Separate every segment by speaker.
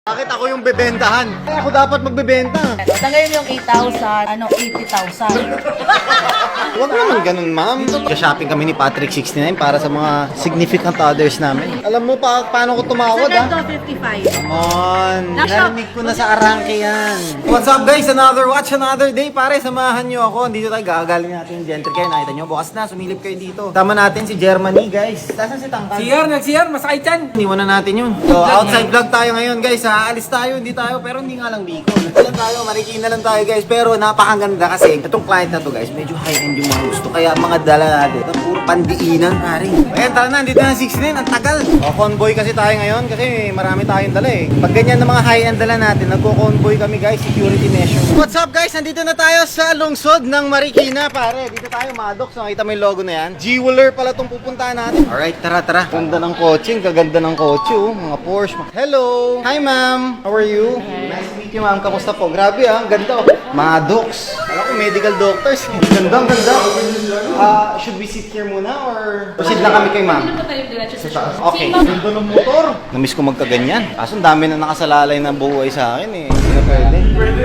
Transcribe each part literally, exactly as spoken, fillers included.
Speaker 1: Bakit ako yung bebentahan? Ay, ako dapat magbebenta.
Speaker 2: Tangayin yung eight thousand, ano, eighty thousand.
Speaker 1: Huwag naman ganun, ma'am. Shopping kami ni Patrick sixty-nine para sa mga significant others namin. Alam mo pa paano ko tumawad, ha?
Speaker 2: Second to fifty-five.
Speaker 1: Come on. Narinig ko na sa arangke yan. What's up, guys? Another watch, another day. Pare, samahan nyo ako. Dito tayo gagaling natin yung gentry kayo. Nakita nyo, bukas na. Sumilip kayo dito. Tama natin si Germany, guys. Tasan si Tangkad?
Speaker 3: C R, nag-C R, masakit yan.
Speaker 1: Iwan na natin yun. So, outside vlog tayo ngayon, guys. Aalis tayo, hindi tayo, pero hindi nga lang Bicol. Ito lang tayo, Marikina lang tayo, guys. Pero napakaganda kasi itong client na to, guys, medyo high-end yung mga gusto. Kaya mga dala natin, ito puro pandiinan, pare. Ayan, tara na, dito na sixty-nine, ang tagal. O, convoy kasi tayo ngayon kasi marami tayong dala eh. Pag ganyan na mga high-end dala natin, nagko-convoy kami, guys, security measure. What's up, guys? Nandito na tayo sa lungsod ng Marikina, pare. Dito tayo, Maddox. Nakita mo yung logo na yan. Jeweler pala itong pupuntahan natin. Alright, tara, tara. Ganda ng kotse, ang gaganda ng kotse, oh. Mga Porsche. Hello! Hi, ma'am! How are you? Nice to meet you, ma'am. Kamusta po? Grabe, ah. Ang ganda, oh. Maddox. Alam ko, medical doctors. Ang ganda, ang ganda. Ah, should we sit here muna or proceed lang kami kay ma'am? Okay. Ganda ng motor. Namiss ko magkaganyan. Kaso ang dami na nakasalalay na buhay sa akin eh. Hindi na pwede.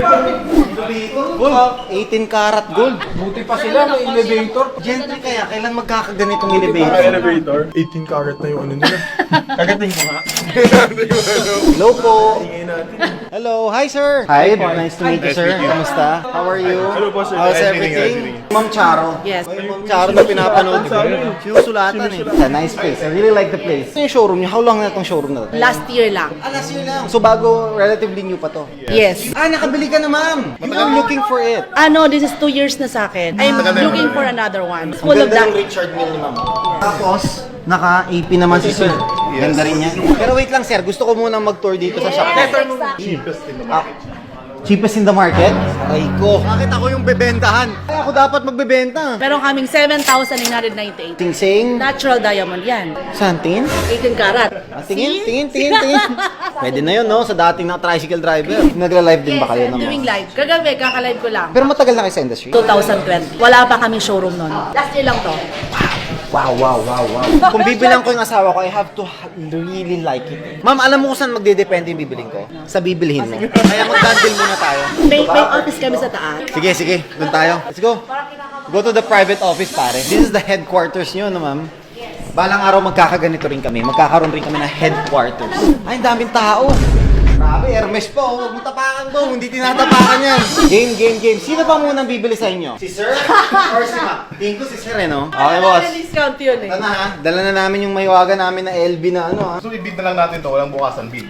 Speaker 1: Gold. eighteen karat gold.
Speaker 3: Buti pa sila, may elevator.
Speaker 1: Gentry kaya, kailan magkakaganitong elevator?
Speaker 4: Elevator, eighteen karat na yung ano nila. Kagating ko nga.
Speaker 1: Hello po. Hello. Hi, sir. Hi. Nice to meet you, sir. Kamusta? How are you?
Speaker 4: Hello po, sir.
Speaker 1: How's
Speaker 4: Nice meeting you,
Speaker 1: everything?
Speaker 4: nice meeting
Speaker 1: Ma'am Charo.
Speaker 2: Yes.
Speaker 1: Ay, Ma'am Charo na pinapanood ko. Sinusulatan eh. It's a nice place. I really like the place. Ito yung showroom niyo. How long na itong showroom na to?
Speaker 2: Last year lang.
Speaker 1: Ah, last year lang. So bago, relatively new pa to.
Speaker 2: Yes.
Speaker 1: Ah, nakabili ka na, ma'am. You are looking for it.
Speaker 2: Ano, this is two years na sa akin. I'm looking for another one.
Speaker 1: Ang
Speaker 2: Full of
Speaker 1: ganda
Speaker 2: that.
Speaker 1: ng Richard Mille ni ma'am. Tapos, naka-A P naman si sir. Ganda rin niya. Pero wait lang, sir. Gusto ko munang mag-tour dito sa shop.
Speaker 4: Cheapest in the
Speaker 1: Ah, cheapest in the market? Ay ko. Bakit ako yung bebentahan? Ay, ako dapat magbebenta.
Speaker 2: Meron kaming seven thousand nine hundred ninety-eight.
Speaker 1: Sing-sing.
Speaker 2: Natural diamond yan.
Speaker 1: Saan? Tingin?
Speaker 2: eighteen karat.
Speaker 1: Ah, tingin, tingin, tingin, tingin. Pwede na yun, no? Sa dating na tricycle driver. Nagla-live din
Speaker 2: Yes,
Speaker 1: ba kayo
Speaker 2: I'm
Speaker 1: naman?
Speaker 2: doing live. Kagabi, kakalive ko lang.
Speaker 1: Pero matagal na kayo sa industry?
Speaker 2: twenty twenty. Wala pa kaming showroom nun. Last year lang to.
Speaker 1: Wow, wow, wow, wow. Kung bibilang ko yung asawa ko, I have to ha- really like it. Ma'am, alam mo kung saan magdedepende yung bibiling ko? Sa bibilhin mo. Kaya mag-bundle muna tayo.
Speaker 2: May, may office kami sa taas.
Speaker 1: Sige, sige. Doon tayo. Let's go. Go to the private office, pare. This is the headquarters nyo, no, ma'am? Balang araw magkakaganito rin kami. Magkakaroon rin kami ng headquarters. Ay, ang daming tao. Grabe, Hermes po. Huwag mo tapakan po. Hindi tinatapakan yan. Game, game, game. Sino pa munang bibili sa inyo? Si Sir? Or si Ma? Tingin ko si Sir, eh, no? Okay, boss.
Speaker 2: May discount yun eh.
Speaker 1: Ito na, ha? Dala na namin yung mahiwaga namin na L B na ano, ha?
Speaker 4: So, i-bid na lang natin to, walang bukasan bid.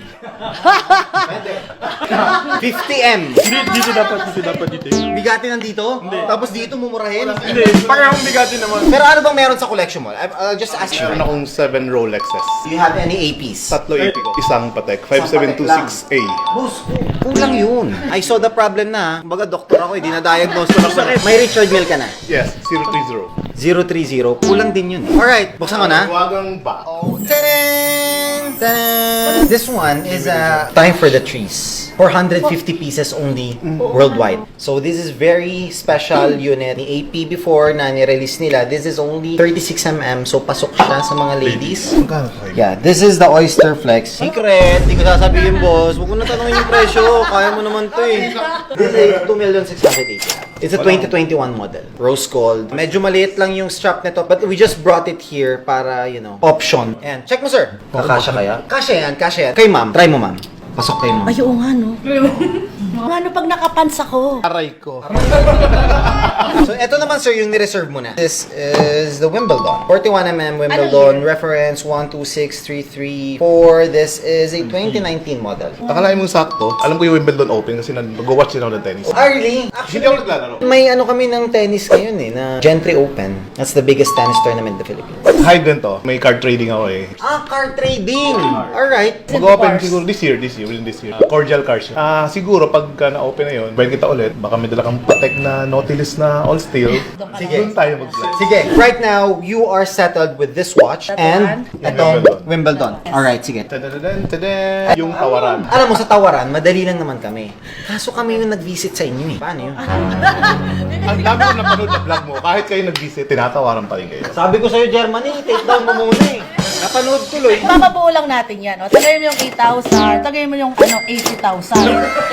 Speaker 1: fifty M.
Speaker 4: Hindi, dito dapat, dito dapat dito.
Speaker 1: Bigati nandito? Hindi. Tapos dito mumurahin?
Speaker 4: Hindi, parehong bigati naman.
Speaker 1: Pero ano bang meron sa collection mo? I- I'll just ask you.
Speaker 4: Meron akong seven Rolexes.
Speaker 1: Do you have any A Ps?
Speaker 4: Tatlo A P ko. Isang Patek, five seven two six A.
Speaker 1: Boss, kulang yun. I saw the problem na. Kumbaga, doktor ako, hindi na-diagnose ko. May Richard Mille ka na.
Speaker 4: Yes, zero three zero.
Speaker 1: zero three zero. Kulang din yun. Alright, buksan ko na.
Speaker 4: Wagang ba?
Speaker 1: Ta-da! Ta-da! This one is uh, Time for the Trees. four hundred fifty pieces only worldwide. So this is very special unit. Ni A P before na ni-release nila, this is only thirty-six millimeters. So pasok siya sa mga ladies.
Speaker 4: Magkano tayo?
Speaker 1: Yeah, this is the Oyster Flex. Secret! Hindi ko sasabihin, boss. Huwag mo na tanongin yung presyo. Kaya mo naman to eh. This is two million six hundred eighty. It's a twenty twenty-one model. Rose gold. Medyo maliit lang yung strap nito. But we just brought it here para, you know, option. And check mo, sir. Kakasya kaya? Kasya yan, kasya yan. Kay ma'am. Try mo, ma'am. Pasok kayo, ma'am.
Speaker 2: Ay, oo nga no. Ano pag nakapants ako?
Speaker 1: Aray ko. So, eto naman, sir, yung ni-reserve mo na. This is the Wimbledon. forty-one millimeter Wimbledon. Reference one two six three three four. This is a twenty nineteen model.
Speaker 4: Akalain mong sakto. Alam ko yung Wimbledon Open kasi nag-watch din ako ng tennis.
Speaker 1: Ah, really?
Speaker 4: Hindi ako naglalaro.
Speaker 1: May ano kami ng tennis ngayon eh, na Gentry Open. That's the biggest tennis tournament in the Philippines.
Speaker 4: Hide din to. May card trading ako eh.
Speaker 1: Ah, card trading! Alright.
Speaker 4: Mag-open siguro this year, this year, within this year. Uh, cordial cards. Ah, siguro pag pagka na-open na yun, bayan kita ulit, baka may dala kang patek na Nautilus na all steel.
Speaker 1: Sige.
Speaker 4: Doon tayo mag-vlog.
Speaker 1: Sige, right now, you are settled with this watch and itong Wimbledon. Alright, sige.
Speaker 4: Tadadadan, tadadad. Yung tawaran.
Speaker 1: Alam mo, sa tawaran, madali lang naman kami. Kaso kami yung nag-visit sa inyo eh. Paano yun?
Speaker 4: Ang dami ko napanood na vlog mo, kahit kayo nag-visit, tinatawaran pa rin kayo.
Speaker 1: Sabi ko sa'yo, Germany, take down mo muna eh. Napanood tuloy.
Speaker 2: Papabuo lang natin yan. O, tagayin mo yung eight thousand, tagayin mo yung ano, eighty thousand.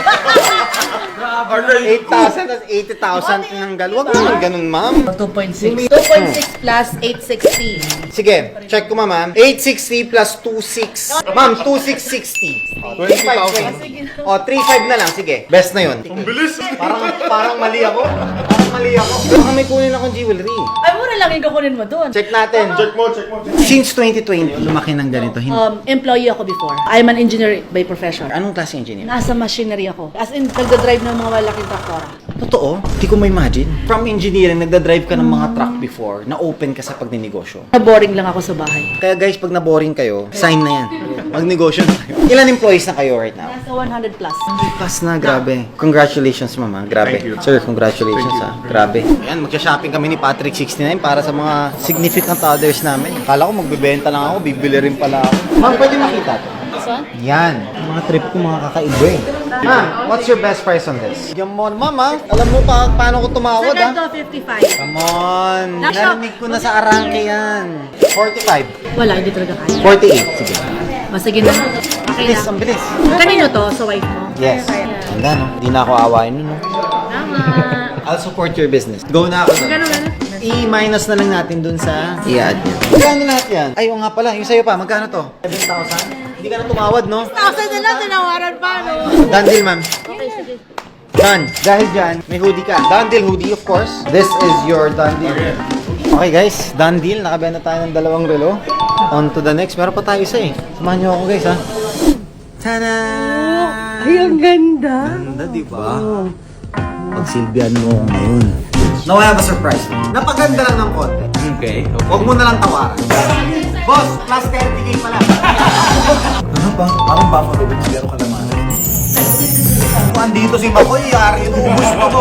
Speaker 1: eight thousand at eighty thousand tinanggal. Huwag naman ganun, ma'am.
Speaker 2: two point six. two point six plus eight sixty.
Speaker 1: Sige, check ko ma'am. eight sixty plus two six. Ma'am, two six sixty.
Speaker 4: twenty thousand.
Speaker 1: O, three five na lang. Sige, best na yun.
Speaker 4: Ang bilis!
Speaker 1: Parang, parang mali ako. Parang mali ako. Baka may kunin akong jewelry.
Speaker 2: Ay, mura lang yung kukunin mo dun.
Speaker 1: Check natin.
Speaker 4: Check mo, check mo.
Speaker 1: Since twenty twenty, lumaki ng ganito. Hin-
Speaker 2: Um, employee ako before. I'm an engineer by profession.
Speaker 1: Anong klase engineer?
Speaker 2: Nasa machinery ako. As in, nagda-drive ng mga malaking traktor.
Speaker 1: Totoo? Hindi ko ma-imagine. From engineering, nagda-drive ka ng mga truck before, na-open ka sa pagninegosyo.
Speaker 2: Na-boring lang ako sa bahay.
Speaker 1: Kaya guys, pag na-boring kayo, sign na yan. Magnegosyo na kayo. Ilan employees na kayo right now?
Speaker 2: Nasa one hundred plus.
Speaker 1: Pas na, grabe. Congratulations, mama. Grabe.
Speaker 4: Thank you.
Speaker 1: Sir, congratulations, ha. Grabe. Ayan, magsha-shopping kami ni Patrick sixty-nine para sa mga significant others namin. Kala ko magbebenta lang ako, bibili rin pala ako. Ma'am, pwede makita to. Yan. Mga trip ko, mga kakaiba eh. Ma'am, what's your best price on this? Yan mo, mama. Alam mo pa paano ko tumawad, ha?
Speaker 2: Second to fifty-five.
Speaker 1: Come on. Narinig ko na sa arangke yan. forty-five.
Speaker 2: Wala, hindi talaga kaya.
Speaker 1: forty-eight. Sige.
Speaker 2: O, sige na. Okay
Speaker 1: Bilis,
Speaker 2: na.
Speaker 1: ang bilis.
Speaker 2: Kanino to? Sa wife mo?
Speaker 1: Yes. Handa, no? Hindi na ako awayin nun, no?
Speaker 2: Tama.
Speaker 1: I'll support your business. Go na ako dun.
Speaker 2: Ganun, ganun.
Speaker 1: I-minus na lang natin dun sa i-add niya. Magkano lahat yan? Ay, oo nga pala. Yung sa'yo pa, magkano to? seven thousand? Hindi ka na tumawad, no?
Speaker 2: Thousand na lang, tinawaran pa, no?
Speaker 1: Done deal, ma'am.
Speaker 2: Okay, sige.
Speaker 1: Done. Dahil dyan, may hoodie ka. Done deal hoodie, of course. This is your done deal. Okay guys, done deal. Nakabenta tayo ng dalawang relo. On to the next. Meron pa tayo isa eh. Samahan niyo ako guys, ha? Tada!
Speaker 2: Ay, ang ganda.
Speaker 1: Ganda, di ba? Pagsilbihan mo ako ngayon. Now I have a surprise. Napaganda lang ng konti.
Speaker 3: Okay.
Speaker 1: Huwag mo na lang tawaran. Boss, plus thirty K pala.
Speaker 4: Ano ba? Parang Buffalo Wings, pero kalamanan.
Speaker 1: Kung andito si Makoy, yari ito. Ubus pa